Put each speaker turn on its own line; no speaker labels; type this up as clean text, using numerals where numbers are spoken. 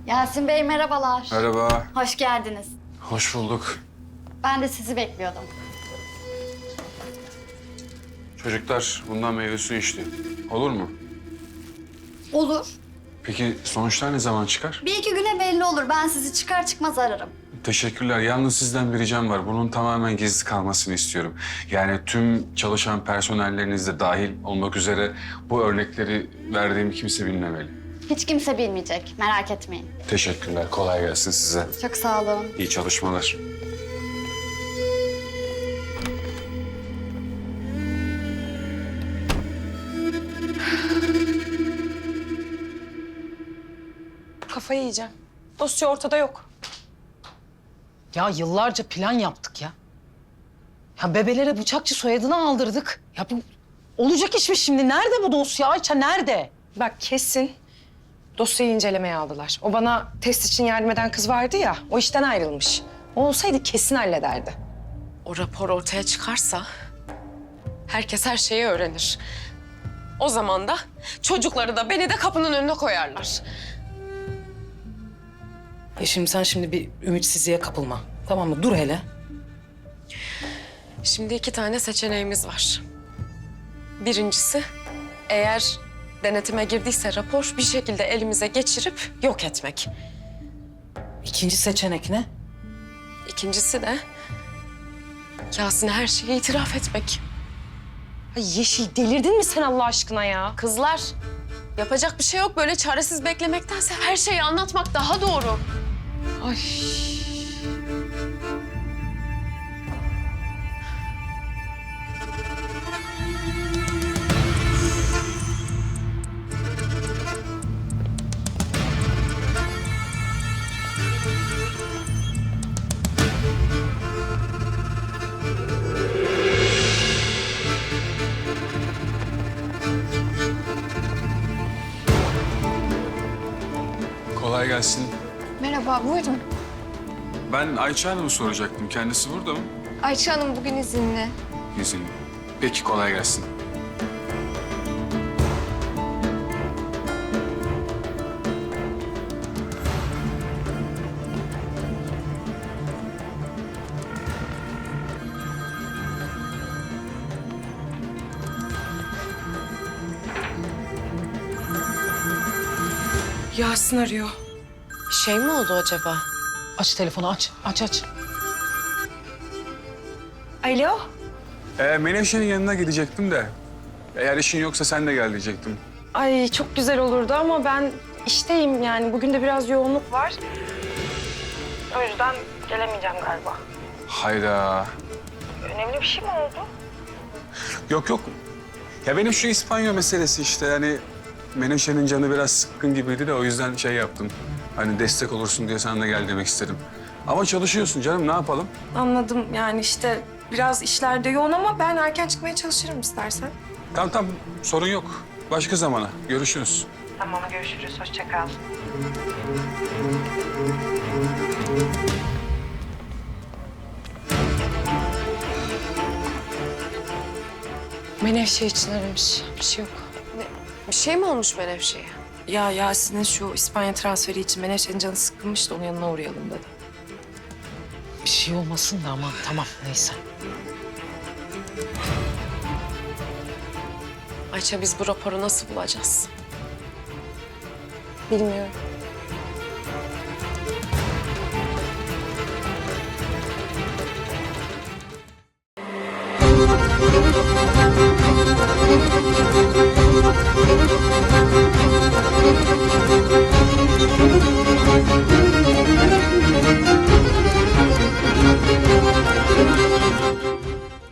Yasin Bey merhabalar.
Merhaba.
Hoş geldiniz.
Hoş bulduk.
Ben de sizi bekliyordum.
Çocuklar bundan meyve suyu içti. Olur mu?
Olur.
Peki sonuçlar ne zaman çıkar?
Bir iki güne belli olur. Ben sizi çıkar çıkmaz ararım.
Teşekkürler. Yalnız sizden bir ricam var. Bunun tamamen gizli kalmasını istiyorum. Yani tüm çalışan personelleriniz de dahil olmak üzere bu örnekleri verdiğimi kimse bilmemeli.
Hiç kimse bilmeyecek. Merak etmeyin.
Teşekkürler. Kolay gelsin size.
Çok sağ olun.
İyi çalışmalar.
Kafayı yiyeceğim. Dosya ortada yok.
Ya yıllarca plan yaptık ya. Ya bebelere bıçakçı soyadını aldırdık. Ya bu olacak iş mi şimdi? Nerede bu dosya Ayça, nerede?
Bak kesin dosyayı incelemeye aldılar. O bana test için yardım eden kız vardı ya, o işten ayrılmış. O olsaydı kesin hallederdi.
O rapor ortaya çıkarsa herkes her şeyi öğrenir. O zaman da çocukları da beni de kapının önüne koyarlar.
Şimdi sen bir ümitsizliğe kapılma. Tamam mı? Dur hele.
Şimdi 2 tane seçeneğimiz var. Birincisi, eğer denetime girdiyse rapor bir şekilde elimize geçirip yok etmek.
İkinci seçenek ne?
İkincisi de Yasin'e her şeyi itiraf etmek.
Ay Yeşil, delirdin mi sen Allah aşkına ya?
Kızlar, yapacak bir şey yok. Böyle çaresiz beklemektense her şeyi anlatmak daha doğru.
Ay.
Kolay gelsin.
Merhaba, buyurun.
Ben Ayça Hanım'ı soracaktım. Kendisi burada mı?
Ayça Hanım bugün izinli.
İzinli. Peki kolay gelsin.
Yasin arıyor.
Bir şey mi oldu acaba?
Aç telefonu, aç. Aç.
Alo.
Menevşe'nin yanına gidecektim de. Eğer işin yoksa sen de gel diyecektim.
Ay çok güzel olurdu ama ben işteyim yani. Bugün de biraz yoğunluk var. O yüzden gelemeyeceğim galiba.
Hayda.
Önemli bir şey mi oldu?
Yok. Ya benim şu İspanya meselesi işte yani Menevşe'nin canı biraz sıkkın gibiydi de o yüzden şey yaptım. Hani destek olursun diye sen de gel demek istedim. Ama çalışıyorsun canım ne yapalım?
Anladım yani işte biraz işlerde yoğun ama ben erken çıkmaya çalışırım istersen.
Tamam sorun yok. Başka zamana görüşürüz.
Tamam görüşürüz. Hoşça kal. Menevşe için aramış. Bir şey yok.
Bir şey mi olmuş Menevşe'ye?
Ya Yasin'in şu İspanya transferi için Menevşe'nin canı sıkılmış da onun yanına uğrayalım dedi.
Bir şey olmasın da aman tamam neyse.
Ayça biz bu raporu nasıl bulacağız?
Bilmiyorum.
Thank you.